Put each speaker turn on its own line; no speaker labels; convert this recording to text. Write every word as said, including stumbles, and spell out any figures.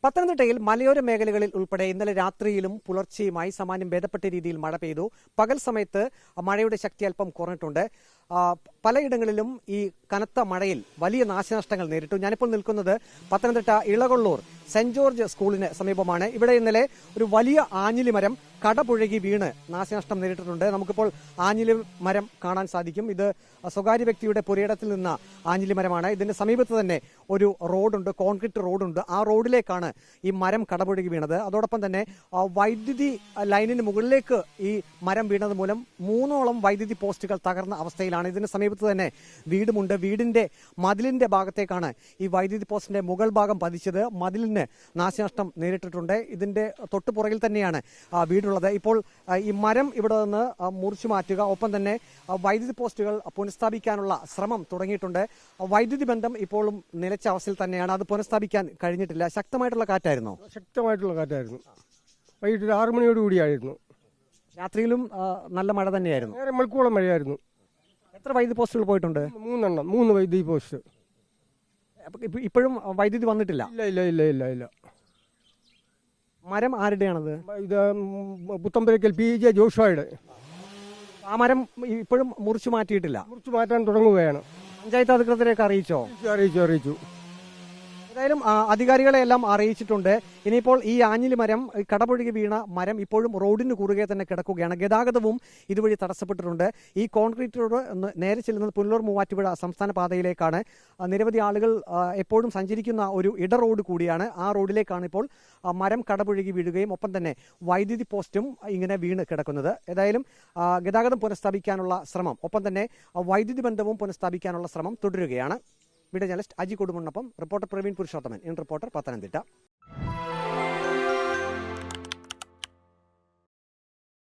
പത്തനംതിട്ടയിൽ മലയോര മേഖലകളിൽ ഉൾപ്പെടെ ഇന്നലെ രാത്രിയിലും പുലർച്ചെയുമായി സാമാന്യം ഭേദപ്പെട്ട രീതിയിൽ മഴ പെയ്തു. പകൽ സമയത്ത് മഴയുടെ ശക്തി അല്പം കുറഞ്ഞിട്ടുണ്ട്. പലയിടങ്ങളിലും ഈ കനത്ത മഴയിൽ വലിയ നാശനഷ്ടങ്ങൾ നേരിട്ടു. ഞാനിപ്പോൾ നിൽക്കുന്നത് പത്തനംതിട്ട ഇളകൊള്ളൂർ സെന്റ് ജോർജ് സ്കൂളിന് സമീപമാണ്. ഇവിടെ ഇന്നലെ ഒരു വലിയ ആഞ്ഞിലി മരം കടപുഴകി വീണ് നാശനഷ്ടം നേരിട്ടിട്ടുണ്ട്. നമുക്കിപ്പോൾ ആഞ്ഞിലി മരം കാണാൻ സാധിക്കും. ഇത് സ്വകാര്യ വ്യക്തിയുടെ പുരയിടത്തിൽ നിന്ന ആഞ്ഞിലി മരമാണ്. ഇതിന്റെ സമീപത്ത് തന്നെ ഒരു റോഡുണ്ട്, കോൺക്രീറ്റ് റോഡുണ്ട്. ആ റോഡിലേക്കാണ് ഈ മരം കടപുഴകി വീണത്. അതോടൊപ്പം തന്നെ വൈദ്യുതി ലൈനിന് മുകളിലേക്ക് ഈ മരം വീണത് മൂലം മൂന്നോളം വൈദ്യുതി പോസ്റ്റുകൾ തകർന്ന അവസ്ഥയിലാണ്. ഇതിന് സമീപത്ത് തന്നെ വീടുമുണ്ട്. വീടിന്റെ മതിലിന്റെ ഭാഗത്തേക്കാണ് ഈ വൈദ്യുതി പോസ്റ്റിന്റെ മുകൾ ഭാഗം പതിച്ചത്. മതിലിന് നാശനഷ്ടം നേരിട്ടിട്ടുണ്ട്. ഇതിന്റെ തൊട്ടുപുറകിൽ തന്നെയാണ് വീടുള്ളത്. ഇപ്പോൾ ഈ മരം ഇവിടെ നിന്ന് മുറിച്ചു മാറ്റുക, ഒപ്പം തന്നെ വൈദ്യുതി പോസ്റ്റുകൾ പുനഃസ്ഥാപിക്കാനുള്ള ശ്രമം തുടങ്ങിയിട്ടുണ്ട്. വൈദ്യുതി ബന്ധം ഇപ്പോഴും നിലച്ച അവസ്ഥയിൽ തന്നെയാണ്. അത് പുനഃസ്ഥാപിക്കാൻ കഴിഞ്ഞിട്ടില്ല. ശക്തമായിട്ടുള്ള കാറ്റായിരുന്നു
ശക്തമായിട്ടുള്ള കാറ്റായിരുന്നു വൈകിട്ട് ഒരു ആറു മണിയോട് കൂടിയായിരുന്നു.
രാത്രിയിലും നല്ല മഴ തന്നെയായിരുന്നു.
നേരെ മണിക്കൂളം മഴയായിരുന്നു.
എത്ര വൈദ്യുതി പോസ്റ്റുകൾ പോയിട്ടുണ്ട്?
മൂന്നെണ്ണം മൂന്ന് വൈദ്യുതി പോസ്റ്റ്.
ഇപ്പോഴും വൈദ്യുതി വന്നിട്ടില്ല?
ഇല്ല ഇല്ല ഇല്ല ഇല്ല ഇല്ല
മരം ആരുടെയാണത്?
ഇത് പുത്തമ്പരക്കൽ പി ജെ ജോഷുവയുടെ.
ആ മരം ഇപ്പോഴും മുറിച്ചു മാറ്റിയിട്ടില്ല?
മുറിച്ചു മാറ്റാൻ തുടങ്ങുകയാണ്.
പഞ്ചായത്ത് അധികൃതരെയൊക്കെ അറിയിച്ചോ?
അറിയിച്ചു അറിയിച്ചു
ഏതായാലും അധികാരികളെ എല്ലാം അറിയിച്ചിട്ടുണ്ട്. ഇനിയിപ്പോൾ ഈ ആഞ്ഞിലി മരം, കടപുഴകി വീണ മരം ഇപ്പോഴും റോഡിന് കുറുകെ തന്നെ കിടക്കുകയാണ്. ഗതാഗതവും ഇതുവഴി തടസ്സപ്പെട്ടിട്ടുണ്ട്. ഈ കോൺക്രീറ്റ് റോഡ് നേരെ ചെല്ലുന്നത് പുനലൂർ മൂവാറ്റുപുഴ സംസ്ഥാന പാതയിലേക്കാണ്. നിരവധി ആളുകൾ എപ്പോഴും സഞ്ചരിക്കുന്ന ഒരു ഇട റോഡ് കൂടിയാണ്. ആ റോഡിലേക്കാണ് ഇപ്പോൾ മരം കടപുഴകി വീഴുകയും ഒപ്പം തന്നെ വൈദ്യുതി പോസ്റ്റും ഇങ്ങനെ വീണ് കിടക്കുന്നത്. ഏതായാലും ഗതാഗതം പുനഃസ്ഥാപിക്കാനുള്ള ശ്രമം, ഒപ്പം തന്നെ വൈദ്യുതി ബന്ധവും പുനഃസ്ഥാപിക്കാനുള്ള ശ്രമം തുടരുകയാണ്. വീഡിയോ ജേർണലിസ്റ്റ് അജി കൊടുമുണ്ണൊപ്പം reporter Praveen Purushothaman, in reporter Pathanamthitta.